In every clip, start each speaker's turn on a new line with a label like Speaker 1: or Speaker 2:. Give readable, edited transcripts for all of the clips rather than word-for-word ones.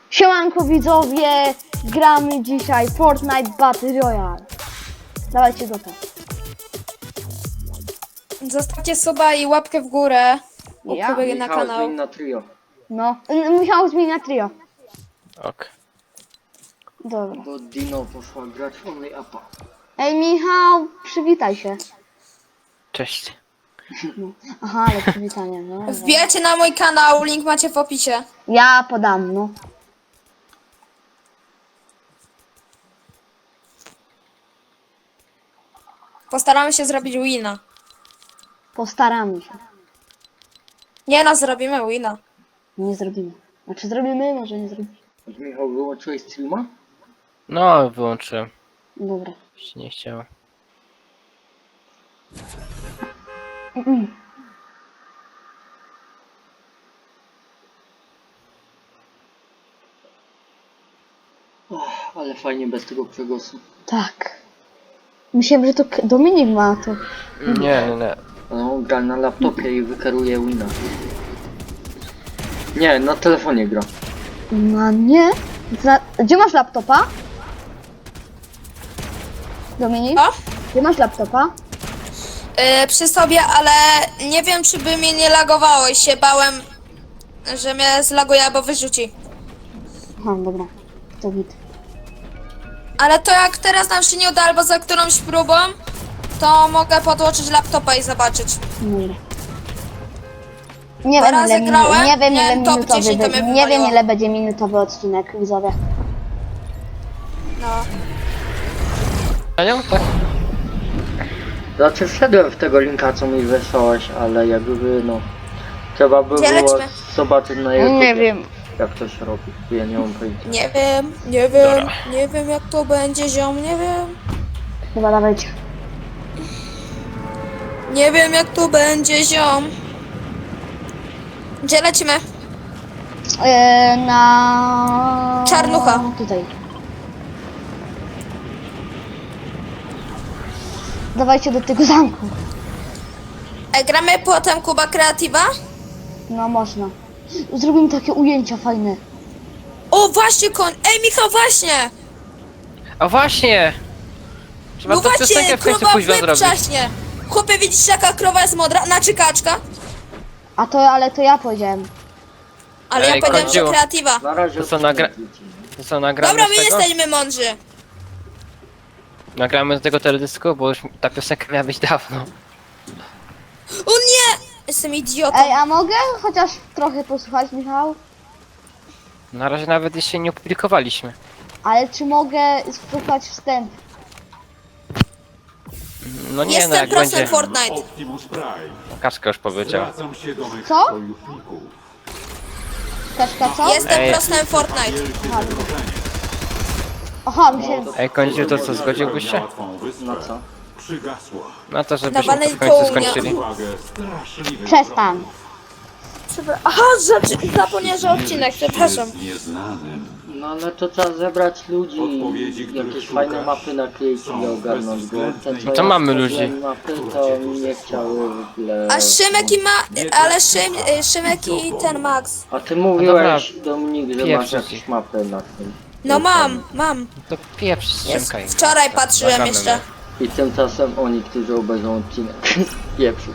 Speaker 1: Siemanko widzowie, gramy dzisiaj Fortnite Battle Royale. Dawajcie go tam.
Speaker 2: Zostawcie suba i łapkę w górę.
Speaker 1: Ja?
Speaker 2: Łapkę na kanał.
Speaker 3: Zmień na trio.
Speaker 1: No, musiał zmienić na trio.
Speaker 4: Ok.
Speaker 1: Dobra.
Speaker 3: Bo Dino poszła grać only upa.
Speaker 1: Ej Michał, przywitaj się.
Speaker 4: Cześć.
Speaker 1: Aha, ale przywitanie, no.
Speaker 2: Wbijajcie na mój kanał, link macie w opisie.
Speaker 1: Ja podam, no.
Speaker 2: Postaramy się zrobić wina.
Speaker 1: Postaramy się.
Speaker 2: Nie no, zrobimy wina.
Speaker 1: Nie zrobimy. Znaczy zrobimy, może nie zrobimy.
Speaker 3: Michał, wyłączyłeś streama?
Speaker 4: No, wyłączyłem.
Speaker 1: Dobra.
Speaker 4: Się nie chciało.
Speaker 3: Ale fajnie bez tego przegłosu.
Speaker 1: Tak. Myślałem, że to Dominik ma to.
Speaker 4: Nie, nie, nie.
Speaker 3: Ale on gra na laptopie i wykaruje wina. Nie, na telefonie gra.
Speaker 1: No nie. Gdzie masz laptopa? Dominik?
Speaker 2: O?
Speaker 1: Gdzie masz laptopa?
Speaker 2: Przy sobie, ale nie wiem, czy by mnie nie lagowało i się bałem, że mnie zlaguje albo wyrzuci.
Speaker 1: Aha, dobra. To git.
Speaker 2: Ale to jak teraz nam się nie uda albo za którąś próbą, to mogę podłączyć laptopa i zobaczyć.
Speaker 1: Dobra. Nie
Speaker 2: Dwa
Speaker 1: wiem,
Speaker 2: razy
Speaker 1: ile
Speaker 2: grałem,
Speaker 1: nie wiem, ile
Speaker 2: miałem top
Speaker 1: minutowy
Speaker 2: 10, to
Speaker 1: będzie.
Speaker 2: mnie
Speaker 1: Nie wiem,
Speaker 2: wywaliło.
Speaker 1: ile będzie minutowy odcinek, widzowie.
Speaker 2: No.
Speaker 4: Panią? Tak?
Speaker 3: Znaczy wszedłem w tego linka, co mi wysłałeś, ale jakby no... Trzeba by
Speaker 2: Gdzie
Speaker 3: było
Speaker 2: lecimy?
Speaker 3: zobaczyć na YouTube,
Speaker 1: Nie wiem.
Speaker 3: jak to się robi. Ja nie mam pojęcia.
Speaker 2: Nie wiem jak to będzie, ziom, nie wiem.
Speaker 1: Chyba dawajcie.
Speaker 2: Nie wiem jak to będzie, ziom. Gdzie lecimy?
Speaker 1: Na...
Speaker 2: Czarnucha.
Speaker 1: Tutaj. Dawajcie do tego zamku.
Speaker 2: Gramy potem Kuba Kreatywa?
Speaker 1: No można. Zrobimy takie ujęcia fajne.
Speaker 2: O właśnie koń! Ej Michał, właśnie!
Speaker 4: A właśnie! Trzeba
Speaker 2: No
Speaker 4: tę
Speaker 2: właśnie,
Speaker 4: piosenkę w końcu
Speaker 2: krowa w
Speaker 4: późno
Speaker 2: łeb
Speaker 4: zrobić.
Speaker 2: trzaśnie! Chłopie, widzisz jaka krowa jest modra? Znaczy kaczka?
Speaker 1: Ale to ja powiedziałem.
Speaker 2: Ale
Speaker 4: Ej,
Speaker 2: ja powiedziałem, że
Speaker 4: końcu.
Speaker 2: Kreatywa.
Speaker 3: Na razie
Speaker 4: To co, To co, nagramy
Speaker 2: Dobra,
Speaker 4: z
Speaker 2: my
Speaker 4: tego?
Speaker 2: jesteśmy mądrzy.
Speaker 4: Nagramy z tego teledysku, bo już ta piosenka miała być dawno.
Speaker 2: O nie! Jestem idiotą.
Speaker 1: Ej, a mogę chociaż trochę posłuchać, Michał?
Speaker 4: Na razie nawet jeszcze nie opublikowaliśmy.
Speaker 1: Ale czy mogę słuchać wstęp?
Speaker 4: No nie, no
Speaker 2: Jestem
Speaker 4: jak
Speaker 2: prosem
Speaker 4: będzie.
Speaker 2: Fortnite.
Speaker 5: Optimus Prime.
Speaker 4: Kaczka już powiedziała.
Speaker 5: Zwracam się do mych
Speaker 1: Co?
Speaker 5: sojuszników.
Speaker 1: Kaczka co?
Speaker 2: Jestem
Speaker 4: Ej.
Speaker 2: prosem Fortnite.
Speaker 5: Wielkie zagrożenie.
Speaker 1: Aha, myślałem.
Speaker 4: Ej, końcu to co, zgodziłbyś się?
Speaker 5: Łatwą wyspę.
Speaker 3: No co?
Speaker 5: Przygasła.
Speaker 4: No to żebyśmy
Speaker 2: Dawalej
Speaker 4: to w końcu
Speaker 2: kołnia.
Speaker 4: skończyli.
Speaker 5: Uwagę straszliwych
Speaker 1: Przestań.
Speaker 2: Aha, zapomniałem, że odcinek, przepraszam.
Speaker 5: jest nieznanym.
Speaker 3: No ale to trzeba zebrać ludzi
Speaker 5: Odpowiedzi,
Speaker 3: i
Speaker 5: których
Speaker 3: jakieś
Speaker 5: szukasz,
Speaker 3: fajne mapy nakleić i ogarnąć go. Te, co
Speaker 4: To
Speaker 3: ja
Speaker 4: mamy
Speaker 3: stworzyłem
Speaker 4: ludzi.
Speaker 3: mapy, to mi nie chciały w ogóle...
Speaker 2: A Szymek i Szymek i ten Max.
Speaker 3: A ty mówiłeś,
Speaker 4: dobra.
Speaker 3: Dominik, że
Speaker 4: Pieprz
Speaker 3: masz
Speaker 4: ci.
Speaker 3: jakieś mapy na tym.
Speaker 2: No mam.
Speaker 4: To pieprz strzemkaj.
Speaker 2: Wczoraj patrzyłem
Speaker 4: Nagramy
Speaker 2: jeszcze.
Speaker 3: I tymczasem oni, którzy obejrzą odcinek, pieprzyć.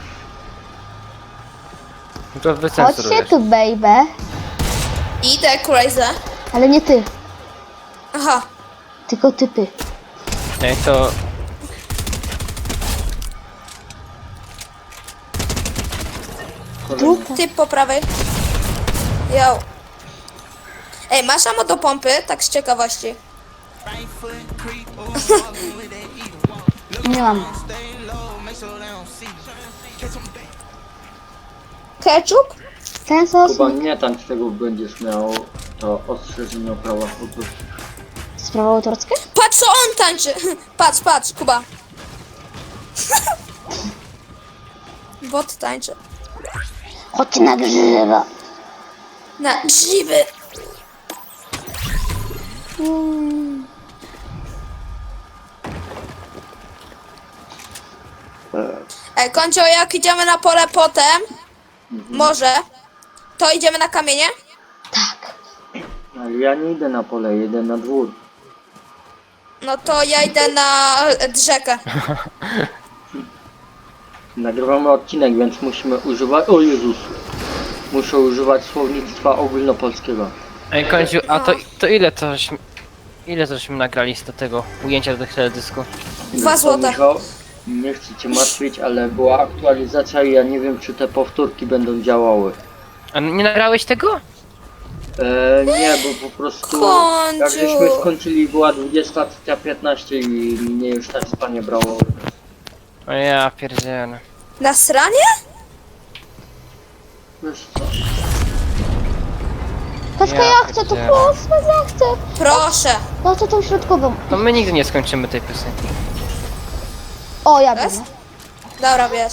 Speaker 4: No to
Speaker 1: Chodźcie
Speaker 4: wycenzurujesz.
Speaker 1: tu, baby.
Speaker 2: Idę, crazy.
Speaker 1: Ale nie ty,
Speaker 2: Aha.
Speaker 1: tylko typy.
Speaker 4: Ej, to...
Speaker 1: Trupa.
Speaker 2: Typ po prawej. Yo. Ej, masz ammo do pompy? Tak z ciekawości.
Speaker 1: Nie mam.
Speaker 2: Ketchup?
Speaker 1: Ten sos
Speaker 3: Chyba nie tam czego będziesz miał, to ostrzeżenie o prawach autorskie.
Speaker 1: sprawa autorskie?
Speaker 2: Patrz co on tańczy! Patrz, Kuba. Bot tańczy.
Speaker 1: Chodźcie na grzyba.
Speaker 2: Na grzyby. Ej, Koncio, jak idziemy na pole potem, może, to idziemy na kamienie?
Speaker 1: Tak.
Speaker 3: A Ja nie idę na pole, jedę na dwór.
Speaker 2: No to ja idę na rzekę.
Speaker 3: Nagrywamy odcinek, więc musimy używać... O Jezus! Muszę używać słownictwa ogólnopolskiego.
Speaker 4: Ej, Końcu, a to ile żeśmy nagrali z tego ujęcia do teledysku?
Speaker 2: 2 złote.
Speaker 3: Michał, nie chcę cię martwić, ale była aktualizacja i ja nie wiem, czy te powtórki będą działały.
Speaker 4: A nie nagrałeś tego?
Speaker 3: Nie, bo po prostu
Speaker 2: Końcu.
Speaker 3: jak żeśmy skończyli, była 20:15 i mnie już tak spanie brało.
Speaker 4: O ja pierdzielę.
Speaker 2: Na sranie?
Speaker 3: Wiesz co?
Speaker 1: Kaczka,
Speaker 4: Ja
Speaker 1: ja chcę to
Speaker 4: pierdzielę.
Speaker 1: proszę, ja chcę.
Speaker 2: Proszę.
Speaker 1: Ja chcę tą środkową.
Speaker 4: No my nigdy nie skończymy tej piosenki.
Speaker 1: O, ja
Speaker 2: Jest?
Speaker 1: wiem.
Speaker 2: Dobra, wiesz.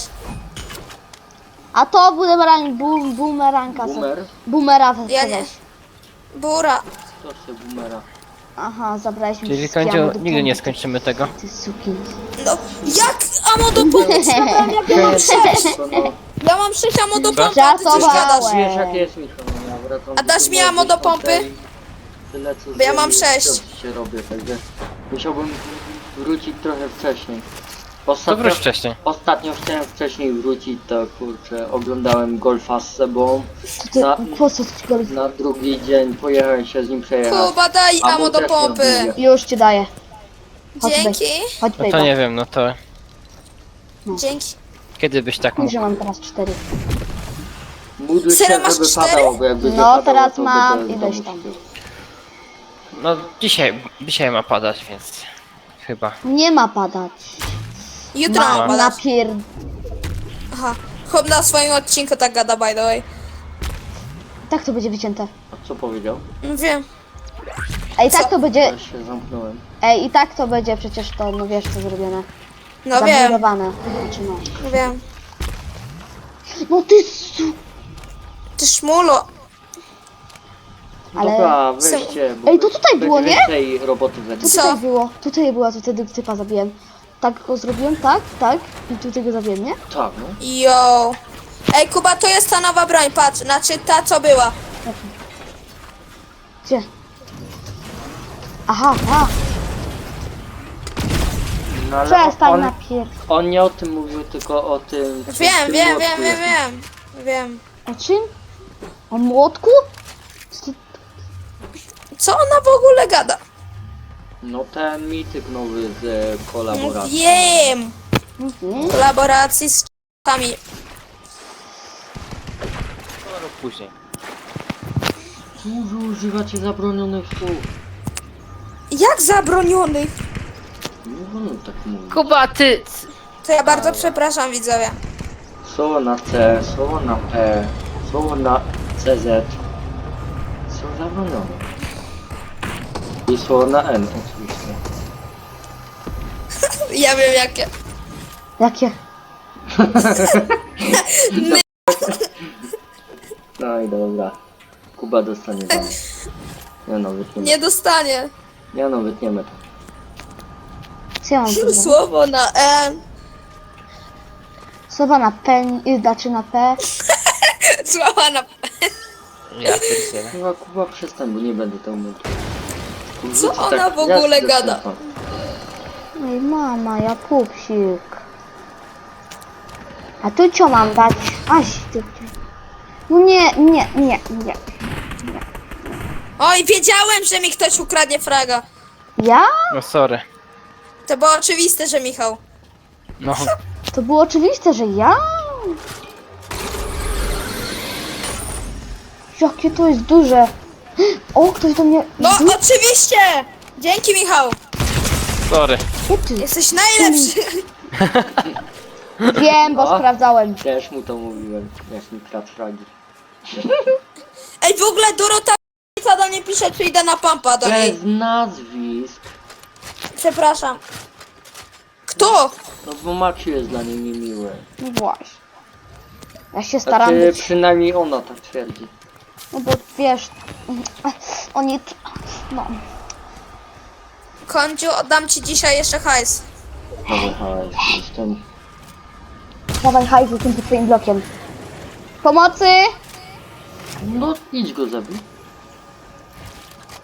Speaker 1: A to bumeranka.
Speaker 3: Boomer?
Speaker 1: Boomera
Speaker 2: Ja
Speaker 1: weź.
Speaker 2: nie. Bura.
Speaker 3: To się boomera.
Speaker 1: Aha, zabrałeś mi
Speaker 4: Czyli
Speaker 1: wszystkie
Speaker 4: Końcu,
Speaker 1: ammo do
Speaker 4: nigdy nie
Speaker 1: pompy.
Speaker 4: skończymy tego.
Speaker 1: Ty suki.
Speaker 2: No, jak amo do pompy? Zabrałem, jak ja mam 6.
Speaker 3: No,
Speaker 2: Ja mam 6 amo do pompy, a ty coś
Speaker 1: Żartowałem.
Speaker 2: gadasz.
Speaker 3: wiesz jak jest, Michał, no ja wracam
Speaker 2: A dasz mi
Speaker 3: domu
Speaker 2: ammo do
Speaker 3: 10:00
Speaker 2: pompy?
Speaker 3: Tyle co
Speaker 2: Bo ja mam
Speaker 3: zrobię,
Speaker 2: 6.
Speaker 3: to się robię, także musiałbym wrócić trochę wcześniej.
Speaker 4: To wróć wcześniej.
Speaker 3: Ostatnio chciałem wcześniej wrócić, to kurczę, oglądałem golfa z sobą.
Speaker 1: To ty,
Speaker 3: Na,
Speaker 1: po co ci go...
Speaker 3: na drugi dzień pojechałem się z nim przejechać.
Speaker 2: Kuba, daj
Speaker 3: A
Speaker 2: amo
Speaker 3: mu
Speaker 2: do
Speaker 3: też nie
Speaker 2: pompy.
Speaker 3: odmówię.
Speaker 1: Już ci daję. Chodź,
Speaker 2: Dzięki.
Speaker 1: Chodź,
Speaker 4: No to
Speaker 1: baby.
Speaker 4: nie wiem, no to
Speaker 2: Dzięki.
Speaker 4: kiedy byś tak mógł?
Speaker 1: Że mam teraz 4.
Speaker 3: Módl się,
Speaker 2: Serio, masz
Speaker 3: żeby
Speaker 2: 4?
Speaker 3: padało, bo jakby nie
Speaker 1: No,
Speaker 3: padało,
Speaker 1: teraz
Speaker 3: to
Speaker 1: mam
Speaker 3: będę
Speaker 1: ileś
Speaker 3: znowu
Speaker 1: tam.
Speaker 3: śpił.
Speaker 4: No dzisiaj ma padać, więc chyba.
Speaker 1: Nie ma padać.
Speaker 2: Jutro mam
Speaker 1: Ma
Speaker 2: badać.
Speaker 1: napier...
Speaker 2: Aha. Chłop na swoim odcinku tak gada, by the way.
Speaker 1: Tak to będzie wycięte.
Speaker 3: A co powiedział?
Speaker 2: No wiem.
Speaker 1: Ej, tak to będzie...
Speaker 3: Ja się zamknąłem.
Speaker 1: Ej, i tak to będzie przecież to, no wiesz co zrobione.
Speaker 2: No wiem.
Speaker 1: Zamurowane. Znaczy no.
Speaker 2: No wiem.
Speaker 1: No ty su...
Speaker 2: Ty szmulo.
Speaker 1: Ale-
Speaker 3: Dobra, weźcie, bo
Speaker 1: Ej, to tutaj było,
Speaker 3: będzie
Speaker 1: nie?
Speaker 3: więcej roboty we
Speaker 1: To
Speaker 3: mnie.
Speaker 2: Co?
Speaker 1: tutaj było. Tutaj była, to wtedy typa zabiłem. Tak go zrobiłem, tak, tak. I tutaj go zabiłem, nie?
Speaker 3: Tak, no.
Speaker 2: Yo. Ej, Kuba, to jest ta nowa broń, patrz. Znaczy ta, co była.
Speaker 1: Gdzie? Aha, a.
Speaker 3: No, ale
Speaker 1: Przestań napier...
Speaker 3: on nie o tym mówił, tylko o tym...
Speaker 2: Wiem,
Speaker 3: tym
Speaker 2: wiem,
Speaker 3: młotku
Speaker 2: wiem, wiem,
Speaker 3: jest.
Speaker 2: wiem. Wiem.
Speaker 1: O czym? O młotku? Co ty-
Speaker 2: Co ona w ogóle gada?
Speaker 3: No ten mityk nowy z kolaboracji.
Speaker 2: Wiem.
Speaker 1: Mhm.
Speaker 2: Kolaboracji z c***ami.
Speaker 4: No, później.
Speaker 3: Czemu wy używacie zabronionych słów?
Speaker 2: Jak zabronionych?
Speaker 3: Nie wolno tak mówić.
Speaker 4: Kuba, ty!
Speaker 2: To ja bardzo przepraszam, widzowie.
Speaker 3: Słowo na C, słowo na P, słowo na CZ są zabronione. I słowo na N oczywiście.
Speaker 2: Ja wiem jakie.
Speaker 1: Jakie?
Speaker 3: No i dobra. Kuba dostanie bana. Nie no, wytniemy.
Speaker 2: Nie dostanie.
Speaker 3: Nie no, wytniemy to.
Speaker 1: Co ja mam tu?
Speaker 2: Słowo na N.
Speaker 1: Słowa na P, znaczy na P.
Speaker 2: Słowa na...
Speaker 4: Ja pierdzielę.
Speaker 3: Chyba Kuba przestań, bo nie będę to mówił.
Speaker 2: Co ona w ogóle gada?
Speaker 1: Ej, mama, ja pupsik. A tu co mam dać? Aś, ty. No nie.
Speaker 2: Oj, wiedziałem, że mi ktoś ukradnie fraga.
Speaker 1: Ja?
Speaker 4: No sorry.
Speaker 2: To było oczywiste, że Michał.
Speaker 4: No.
Speaker 1: To było oczywiste, że ja? Jakie to jest duże. O, ktoś do mnie...
Speaker 2: No, oczywiście! Dzięki, Michał.
Speaker 4: Sorry.
Speaker 1: Gdzie ty?
Speaker 2: Jesteś najlepszy.
Speaker 1: Wiem, bo
Speaker 3: O.
Speaker 1: sprawdzałem.
Speaker 3: Też mu to mówiłem, jak mi kradł fragi.
Speaker 2: Ej, w ogóle Dorota do mnie pisze, czy idę na pampa do niej.
Speaker 3: Bez nazwisk.
Speaker 2: Przepraszam. Kto?
Speaker 3: No bo Maciu jest dla niej niemiły.
Speaker 1: No właśnie. Ja się staram
Speaker 3: Znaczy,
Speaker 1: być...
Speaker 3: przynajmniej ona tak twierdzi.
Speaker 1: No bo wiesz... Oni... No.
Speaker 2: Kądziu, oddam ci dzisiaj jeszcze hajs.
Speaker 3: Dobra, jestem...
Speaker 1: Dawaj hajs, jestem pod twoim blokiem. Pomocy!
Speaker 3: No idź go zabij.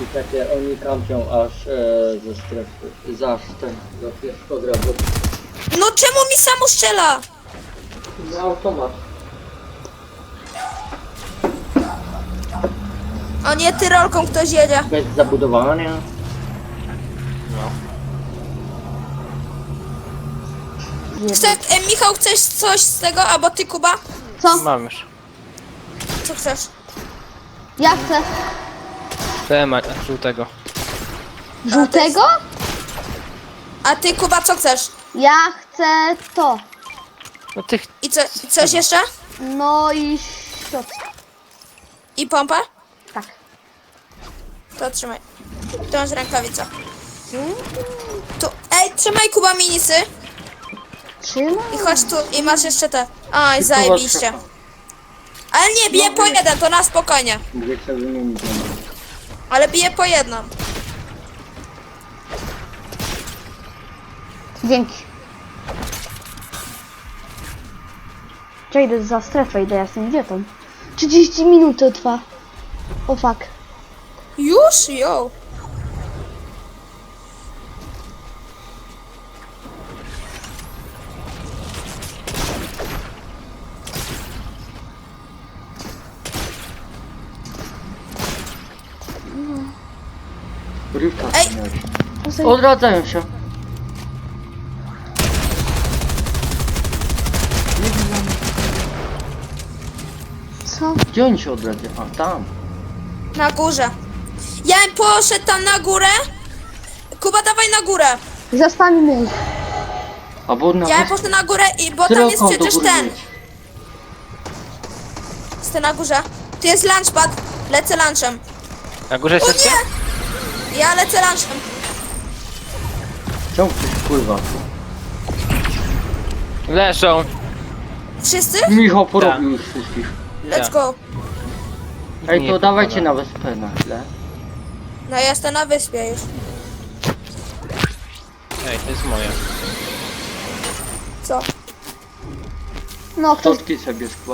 Speaker 3: I takie oni kampią aż ze strefy. Zaż ten do pierwszego drogu.
Speaker 2: No czemu mi samo strzela?
Speaker 3: No automat.
Speaker 2: O nie, tyrolką ktoś jedzie.
Speaker 3: Bez zabudowania.
Speaker 2: Michał, chcesz coś z tego, albo ty, Kuba?
Speaker 1: Co?
Speaker 4: Mam już.
Speaker 2: Co chcesz?
Speaker 1: Ja chcę.
Speaker 4: Temat żółtego.
Speaker 1: Żółtego?
Speaker 2: A ty, Kuba, co chcesz?
Speaker 1: Ja chcę to.
Speaker 4: No tych...
Speaker 2: I coś jeszcze?
Speaker 1: No i środek.
Speaker 2: I pompę?
Speaker 1: Tak.
Speaker 2: To trzymaj. To masz rękawica. Tu. Ej, trzymaj, Kuba, minisy.
Speaker 1: Trzymaj.
Speaker 2: I chodź tu i masz jeszcze te. Oj, zajebiście. Ale nie, bije po jeden, to na spokojnie.
Speaker 3: Gdzie chcę wymienić.
Speaker 2: Ale bije po jedną.
Speaker 1: Dzięki. Czekaj, idę za strefę, idę, ja jestem idiotą. 30 minut to trwa. O fuck.
Speaker 2: Już? Jo.
Speaker 3: Rywka.
Speaker 2: Ej!
Speaker 3: Odradzają się.
Speaker 1: Co?
Speaker 3: Gdzie oni się odradzają? A tam.
Speaker 2: Na górze. Ja bym poszedł tam na górę. Kuba, dawaj na górę.
Speaker 1: Zostawimy ich.
Speaker 3: Albo na
Speaker 2: Ja bym poszedł na górę, bo tam jest
Speaker 3: Tyrolką do
Speaker 2: przecież
Speaker 3: góry
Speaker 2: ten.
Speaker 3: jedź.
Speaker 2: Jestem na górze. Tu jest lunchpad. Lecę lunchem.
Speaker 4: Na górze
Speaker 2: O
Speaker 4: jesteście?
Speaker 2: nie! Ja lecę lunchem.
Speaker 3: Czemu ktoś pływa?
Speaker 4: Leżą.
Speaker 2: Wszyscy?
Speaker 3: Michał porobił już wszystkich.
Speaker 2: Let's go.
Speaker 3: Ej,
Speaker 4: Nie,
Speaker 3: to dawajcie
Speaker 4: dobra.
Speaker 3: na wyspę na chwilę.
Speaker 2: No ja jestem na wyspie już.
Speaker 4: Ej, to jest moje.
Speaker 2: Co?
Speaker 1: No, ktoś...
Speaker 3: Totki sobie skła.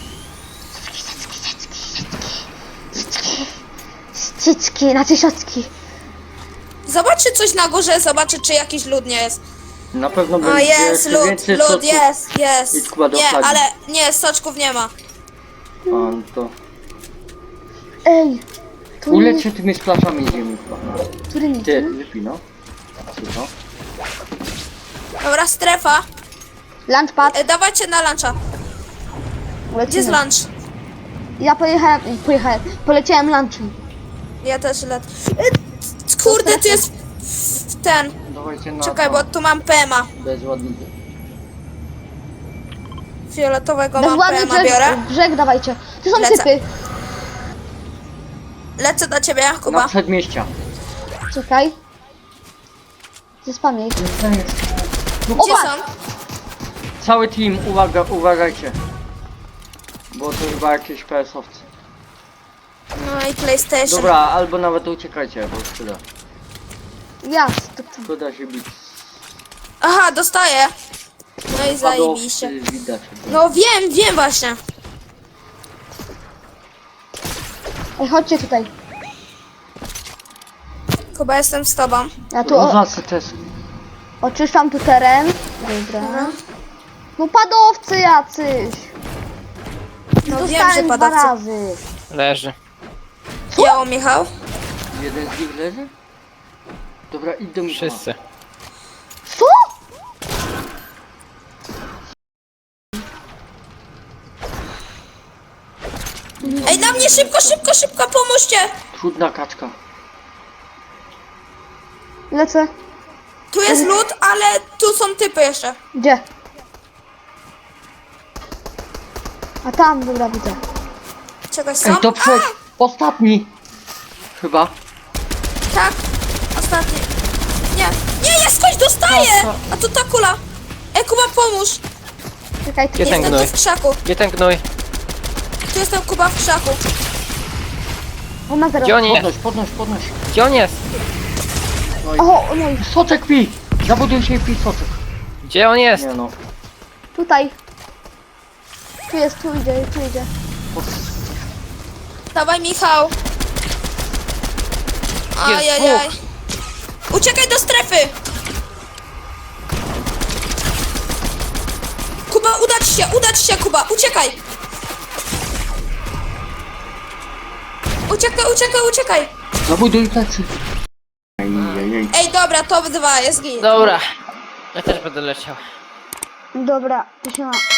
Speaker 1: Cycki, znaczy siocki.
Speaker 2: Zobaczy coś na górze, zobaczy czy jakiś lud nie jest.
Speaker 3: Na pewno
Speaker 2: A
Speaker 3: będzie
Speaker 2: jest
Speaker 3: jeszcze
Speaker 2: lud,
Speaker 3: więcej
Speaker 2: lud,
Speaker 3: soczków.
Speaker 2: jest, jest.
Speaker 3: Idź, Kuba, do
Speaker 2: Nie,
Speaker 3: flagi.
Speaker 2: ale nie, soczków nie ma.
Speaker 3: A, no to...
Speaker 1: Ej. Tu
Speaker 3: Uleć
Speaker 1: nie...
Speaker 3: się tymi splaszami ziemi chyba.
Speaker 1: Który nie?
Speaker 3: Ty, wypij no. Słuchaj.
Speaker 2: Dobra, strefa.
Speaker 1: Lunchpad.
Speaker 2: Dawajcie na luncha. Gdzie jest lunch?
Speaker 1: Ja poleciałem lunchem.
Speaker 2: Ja też lecę. Kurde, tu jest ten.
Speaker 3: Dawajcie na
Speaker 2: Czekaj,
Speaker 3: to.
Speaker 2: bo tu mam PMA.
Speaker 3: Bezładniki.
Speaker 2: Fioletowego mam
Speaker 1: Bezładny
Speaker 2: PMA, biorę.
Speaker 1: brzeg dawajcie. Tu są
Speaker 2: Lecę.
Speaker 1: typy.
Speaker 2: Lecę do ciebie,
Speaker 3: Na
Speaker 2: Kuba.
Speaker 3: przedmieścia.
Speaker 1: Czekaj. Zespamię ich.
Speaker 2: Gdzie są?
Speaker 3: Cały team, uwaga, uważajcie. Bo to chyba jakieś PS-owcy.
Speaker 2: No i PlayStation.
Speaker 3: Dobra, albo nawet uciekajcie, bo szkoda.
Speaker 1: Jasne.
Speaker 3: Szkoda się bić.
Speaker 2: Aha, dostaję. No i zajebiście.
Speaker 3: Padowcy widać.
Speaker 2: No wiem właśnie.
Speaker 1: Ej, chodźcie tutaj.
Speaker 2: Kuba, jestem z tobą.
Speaker 1: Ja tu
Speaker 3: Zasy też.
Speaker 1: oczyszczam tu teren. Dobra. No padowcy jacyś.
Speaker 2: No wiem,
Speaker 1: Dostałem
Speaker 2: że
Speaker 1: dwa
Speaker 2: padawcy.
Speaker 1: razy.
Speaker 4: Leży.
Speaker 2: Jało, Michał.
Speaker 3: Jeden z nich leży? Dobra, idź do Michała.
Speaker 4: Wszyscy.
Speaker 1: Co?
Speaker 2: Ej, na mnie szybko, pomóżcie.
Speaker 3: Trudna kaczka.
Speaker 1: Lecę.
Speaker 2: Tu jest lód, ale tu są typy jeszcze.
Speaker 1: Gdzie? A tam, dobra, widzę.
Speaker 2: Czegoś są?
Speaker 3: Ej, to przed... Ostatni! Chyba.
Speaker 2: Tak, ostatni. Nie, jest ktoś dostaje! A tu ta kula. Ej, Kuba, pomóż.
Speaker 1: Czekaj, tu
Speaker 4: Gdzie ten
Speaker 2: Jestem tu
Speaker 4: gnój?
Speaker 2: w krzaku.
Speaker 4: Gdzie ten gnój?
Speaker 2: Tu jestem, Kuba, w krzaku.
Speaker 1: on ma zero.
Speaker 4: Gdzie on jest?
Speaker 3: Podnoś.
Speaker 4: Gdzie on jest?
Speaker 1: O, no i
Speaker 3: Soczek pij! Zabuduj się i pij soczek.
Speaker 4: Gdzie on jest?
Speaker 3: Nie no.
Speaker 1: tutaj. Tu jest, tu idzie.
Speaker 2: Dawaj, Michał. Ajajaj. Uciekaj do strefy! Kuba, udać się, Kuba, uciekaj! Uciekaj!
Speaker 3: Zabuduj plecy. Ajajaj.
Speaker 2: Ej, dobra, top 2, jest git.
Speaker 4: Dobra. Ja też będę leciał.
Speaker 1: Dobra, to się ma.